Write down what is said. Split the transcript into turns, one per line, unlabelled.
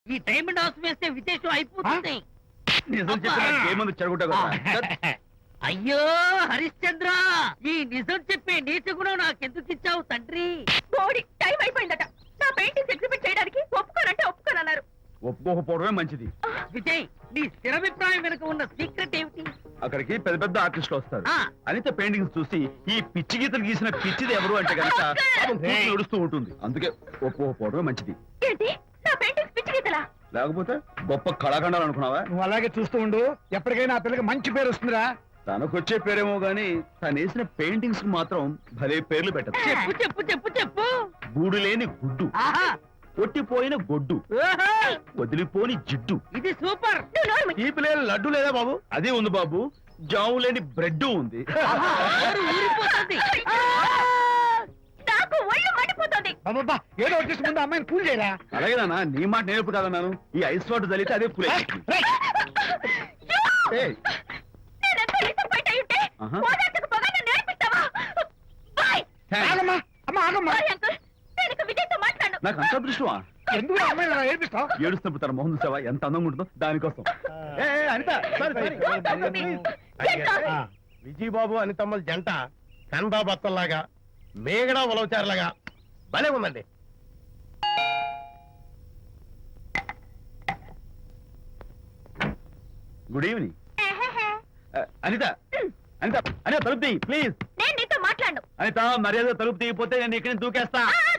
ఈ diamond house వేస్తే విశేషం అయిపోతుంది.
నిజం చెప్పిన ఏముంది చెడగొట్టా కదా.
అయ్యో హరిశ్చంద్ర, ఈ నిజం చెప్పే నీచ గుణం నాకెందుకు ఇచ్చావు తండ్రి?
బోడి టైం అయిపోయిందట. నా పెయింటింగ్స్ ఎగ్జిబిట్ చేయడానికి ఒప్పుకోనంటే ఒప్పుకోనన్నారు.
ఒప్పుకోకపోవడమే మంచిది.
విజయ్, నీ స్థిరాభిప్రాయం వెనుక ఉన్న సీక్రెట్ ఏమిటి?
అక్కడికి పెద్ద పెద్ద ఆర్టిస్టులు వస్తారు.
ఆ.
అనిత పెయింటింగ్స్ చూసి ఈ పిచ్చి గీతలు గీసిన పిచ్చిది ఎవరు అంటే కనుక నడుస్తూ ఉంటుంది. అందుకే ఒప్పుకోకపోవడమే మంచిది.
ఏంటి, నా పెయింటింగ్స్ పిచ్చి గీతలా?
లేకపోతే గొప్ప కళాఖండాలు అనుకున్నావా?
నువ్వు అలాగే చూస్తూ ఉండు, ఎప్పటికైనా ఆ పిల్లకి మంచి పేరు వస్తుందిరా.
తనకొచ్చే పేరేమో గాని తను వేసిన పెయింటింగ్స్ మాత్రం భలే పేర్లు పెట్టదు.
చెప్పు చెప్పు చెప్పు చెప్పు.
గూడు లేని గుడ్డు,
ఆహా,
కొట్టిపోయిన గొడ్డు,
ఓహో,
వదిలిపోని జిడ్డు,
ఇది సూపర్.
నువ్వు నోరు మూయి.
తీపి లేని లడ్డు లేదా బాబు? అదే ఉంది బాబు. జాము లేని బ్రెడ్ ఉంది.
ఆహా, నోరు ఊరిపోతుంది. ఆ!
నాకు ఒళ్ళు మండిపోతుంది.
బాబా ఏదో వచ్చేసి ముందు అమ్మాయిని కూల్ చేయరా.
అలాగే నాన్న, నీ మాట నేర్పు కాదన్నాను. ఈ ఐస్ వాటర్ తలితే అదే పులే. ఏయ్,
నేనెంత disappoint అయి ఉంటే,
ఆహా.
ఓదార్చకపోగా నన్ను నేర్పిస్తావా? బాయ్.
థాంక్స్.
ఆగమ్మా అమ్మా ఆగమ్మా.
Bye uncle. నేను ఇక విజయ్తో మాట్లాడను.
నాకు అంత అదృష్టమా?
ఎందుకు ఆ అమ్మాయిని అలా ఏడిపిస్తావు?
ఏడుస్తున్నప్పుడు తన మొహం చూసావా ఎంత అందంగా ఉంటుందో, దానికోసం. ఏ, ఏ, Anitha, sorry, sorry.
Don't talk to me. Get lost.
Vijaya Babu అనితమ్మల జంట కన్బా బత్తల్లాగా మేగడ ఉలవచారులాగా భలే ఉందండి.
Good evening. అనిత, అనిత, అనిత తలుపు తీయి ప్లీజ్.
నేను నీతో మాట్లాడను.
అనిత, మర్యాద తలుపు తీయకపోతే నేను ఇక్కడి నుంచి దూకేస్తా.